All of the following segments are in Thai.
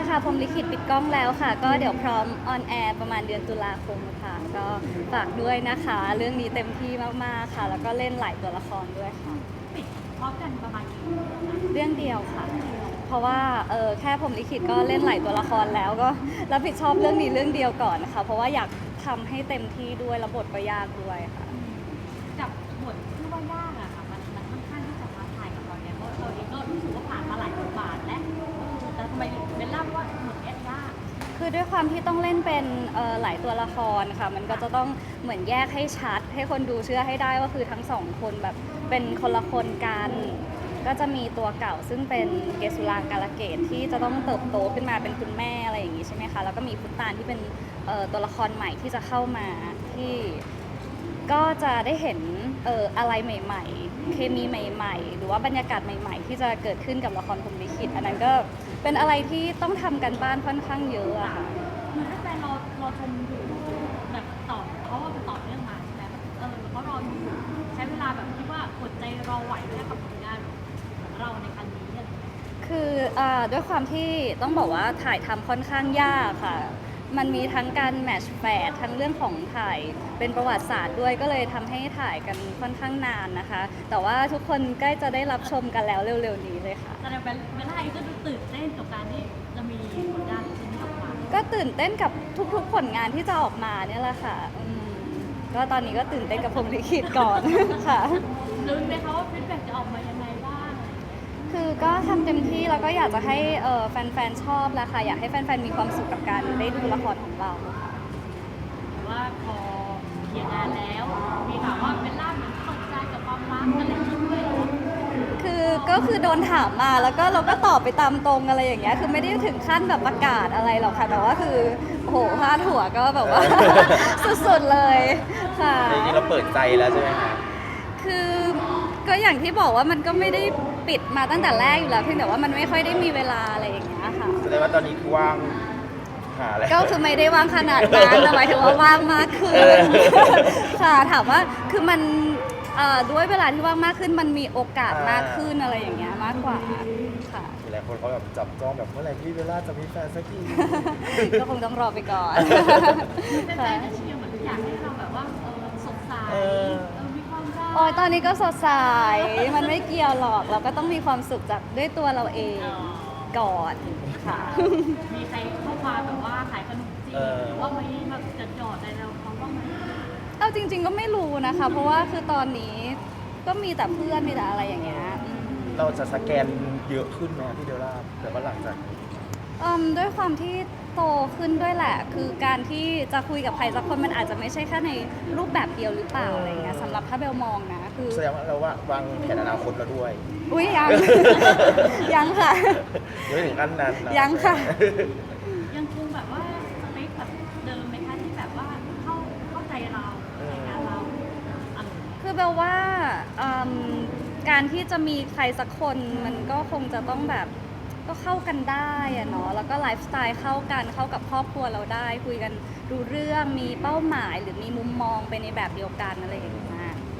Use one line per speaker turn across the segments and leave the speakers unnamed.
ค่ะพรหมลิขิตปิดกล้องแล้วค่ะก็เดี๋ยวพร้อมออนแอร์ประมาณเดือนตุลาคมค่ะก็ฝากด้วยนะคะเรื่องนี้เต็มที่มากๆค่ะแล้วก็เล่นหลายตัวละครด้วยค่ะ
ปิดพร้อมกันประมาณกี่เรื่องนะ
เรื่องเดียวค่ะเพราะว่าแค่พรหมลิขิตก็เล่นหลายตัวละครแล้วก็รับผิดชอบเรื่องนี้เรื่องเดียวก่อนนะคะเพราะว่าอยากทำให้เต็มที่ด้วยและบทก็ยากด้วยค่ะ
กับบทที่ว่ายากอะค่ะมันค่อนข้างที่จะท้าทายกับเราเนี่ยเพราะเราเองก็รู้สึกว่าผ่านมาหลายบทบาทและแต่ทำไมเบลล่าว่าบทเนี้ยยาก
คือด้วยความที่ต้องเล่นเป็นหลายตัวละครค่ะมันก็จะต้องเหมือนแยกให้ชัดให้คนดูเชื่อให้ได้ว่าคือทั้งสองคนแบบเป็นคนละคนกันก็จะมีตัวเก่าซึ่งเป็นเกสุรางกาลเกตที่จะต้องเติบโตขึ้นมาเป็นคุณแม่อะไรอย่างงี้ใช่ไหมคะแล้วก็มีพุตตานที่เป็นตัวละครใหม่ที่จะเข้ามาที่ก็จะได้เห็นอะไรใหม่ๆเคมีใหม่ๆหรือว่าบรรยากาศใหม่ๆที่จะเกิดขึ้นกับละครพรหมลิขิตอันนั้นก็เป็นอะไรที่ต้องทำกันบ้านค่อนข้างเยอะอะค่ะ
เหมือนถ้าแฟนรอชมอยู่แบบต่อเพราะว่ามันต่อเนื่องมาใช่ไหมแล้วก็รอดูใช้เวลาแบบคิดว่าอดใจรอไหวไหมกับผลงานของเราในครั้งนี้อะไรอย่างเงี้ย
คือด้วยความที่ต้องบอกว่าถ่ายทำค่อนข้างยากค่ะมันมีทั้งการแมทช์แฝดทั้งเรื่องของถ่ายเป็นประวัติศาสตร์ด้วยก็เลยทำให้ถ่ายกันค่อนข้างนานนะคะแต่ว่าทุกคนใกล้จะได้รับชมกันแล้วเร็วๆนี้เลยค่ะ
แต่เบลล่าเองก็ดูตื่นเต้นกับการที่จะมีผลงานชิ้นนี้ออกมา
ก็ตื่นเต้นกับทุกๆผลงานที่จะออกมาเนี่ยแหละค่ะก็ตอนนี้ก็ตื่นเต้นกับพรหมลิขิตก่อน ค่ะ
รู้ไหมคะว่าฟีดแบ็กจะออกมายังไงบ้าง
คือก็ทำเต็มที่แล้วก็อยากจะให้แฟนๆชอบแหละค่ะอยากให้แฟนๆมีความสุขกับการได้ดูละครของเราค่ะ
ว่าพอเขียนงานแล้วมีข่าวว่าเบลล่าเหมือนเปิดใจกับความรักอะไรอย่างเงี้ยด้วย
ก็คือโดนถามมาแล้วก็เราก็ตอบไปตามตรงอะไรอย่างเงี้ยคือไม่ได้ถึงขั้นแบบประกาศอะไรหรอกค่ะแต่ว่าคือโอ้โหพาดหัวก็แบบว่า สุดๆเลยค่ะ
จริงๆเราเปิดใจแล้วใช่ไหมคะ
คือก็อย่างที่บอกว่ามันก็ไม่ได้ปิดมาตั้งแต่แรกอยู่แล้วเพียงแต่ว่ามันไม่ค่อยได้มีเวลาอะไรอย่างเงี้ยค่ะ
แสดงว่าตอนนี้คือว่างหาอะไร
ก็คือไม่ได้ว่างขนาดนั้นแต่หมายถึงว่าว่างมากขึ้นค่ะถามว่าคือมันด้วยเวลาที่ว่างมากขึ้นมันมีโอกาสมากขึ้นอะไรอย่างเงี้ยมากกว่าค่ะ
หลายคนเขาแบบจับจ้องแบบเมื่อไหร่ที่เบลล่าจะมีแฟนสักที
ก็คงต้องรอไปก่อน
เป็นแฟนจะเชียร์เหมือนอยากให้เราแบบว่าสดใสมีความรัก
โอ้ยตอนนี้ก็สดใสมันไม่เกี่ยวหรอกเราก็ต้องมีความสุขจากด้วยตัวเราเองก่อนค่ะ
มีใครเข้ามาแบบว่าขายขนมจีนหรือว่าไม่แบบจะจอดอะไรเราเขาบ้างไหม
เอาจริงๆก็ไม่รู้นะคะเพราะว่าคือตอนนี้ก็มีแต่เพื่อนมีแต่อะไรอย่างเงี้ย
เราจะสแกนเยอะขึ้นไหมพี่เบลล่าแต่ว่าหลังจาก
ด้วยความที่โตขึ้นด้วยแหละ คือการที่จะคุยกับใครสักคนมันอาจจะไม่ใช่แค่ในรูปแบบเดียวหรือเปล่าอะไรเงี้ยสำหรับถ้าเบลมองนะคือ
แสดงว่าเราว่าวางแผนอนาคตเราด้วย
อุ้ยยัง ยังค่ะ
ยังไม่ถึงขั้นนั้นนะ
ยังค่ะ
ยังคงแบบว่าสเปคแบบเดิมไหมคะที่แบบว่าเข้าใจเราในงานเรา
คือเบลว่าการที่จะมีใครสักคนมันก็คงจะต้องแบบก็เข้ากันได้อะเนาะแล้วก็ไลฟ์สไตล์เข้ากันเข้ากับครอบครัวเราได้คุยกันดูเรื่องมีเป้าหมายหรือมีมุมมองไปในแบบเดียวกันอะไรอย่างเงี้ย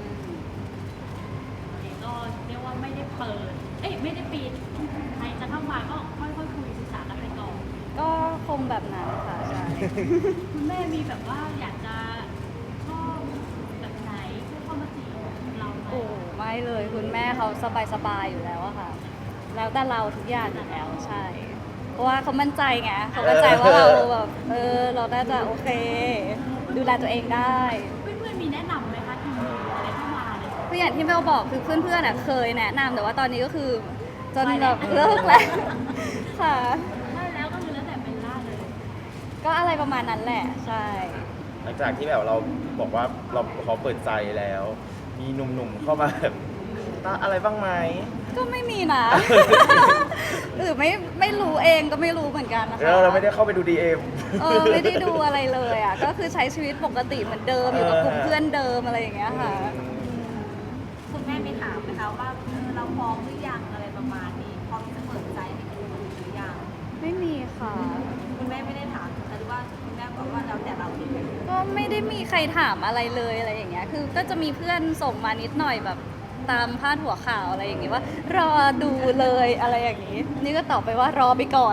ก็เรียกว่าไม่ได้เปิดไม่ได้ปิดใครจะเข้ามาก็ค่อยๆคุยศึกษากันไปก่อน
ก็คงแบบนั้นค่ะใช่
คุณแม่มีแบบว่าอยากจะชอบแบบไหนเพื่อเข้ามาจีบเราไหม
โอ้ไม่เลยคุณแม่เขาสบายๆอยู่แล้วอะค่ะแล้วแต่เราทุกอย่างอยู่แล้วใช่เพราะว่าเขามั่นใจไงเขามั่นใจว่าเราแบบเราน่าจะโอเคดูแลตัวเองได้
เพื่อนๆมีแนะนำไหมคะที่อะไรเข้ามาเลย
คืออย่างที่เบลบอกคือเพื่อนๆเคยแนะนำแต่ว่าตอนนี้ก็คือจนแบบเลิกแล้วค่ะ
ได้แล้วก็คือแล้วแต่เป็นล่าเลย
ก็อะไรประมาณนั้นแหละใช่
หลังจากที่แบบเราบอกว่าเราขอเปิดใจแล้ว มีหนุ่มๆเข้ามาแบบอะไรบ้างไหม
ก็ไม่มีนะ หรือไม่รู้เองก็ไม่รู้เหมือนกันนะคะ
เราไม่ได้เข้าไปดู DM
ไม่ได้ดูอะไรเลยอ่ะก็คือใช้ชีวิตปกติเหมือนเดิมอยู่กับกลุ่มเพื่อนเดิมอะไรอย่างเงี้ยค่ะ
คุณแม่ไม่ถามนะคะว่าเราพร้อมหรือยังอะไรประมาณนี้พร้อมจะเปิดใจให้คุณหรือยัง
ไม่มีค่ะ
คุณแม่ไม่ได้ถามแต่ว่าคุณแม่บอกว่าแล้วแต่เราเอง
ก็ไม่ได้มีใครถามอะไรเลยอะไรอย่างเงี้ยคือก็จะมีเพื่อนส่งมานิดหน่อยแบบตามพาดหัวข่าวอะไรอย่างงี้ว่ารอดูเลยอะไรอย่างนี้ นี่ก็ตอบไปว่ารอไปก่อน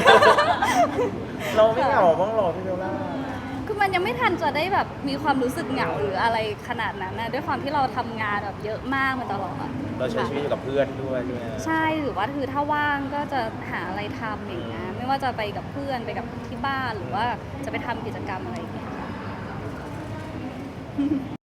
เราไม่เหงาบ้างหรอพี่เบลล่า
คือมันยังไม่ทันจะได้แบบมีความรู้สึกเหงาหรืออะไรขนาดนั้นนะด้วยความที่เราทำงานแบบเยอะมากมาตลอด
เราใช้ชีวิตอยู่กับเพื่อนด้วยใช่ไหม
ใช่หรือว่าคือถ้าว่างก็จะหาอะไรทำอย่างเงี้ยไม่ว่าจะไปกับเพื่อนไปกับที่บ้านหรือว่าจะไปทำกิจกรรมอะไรอย่างเงี้ย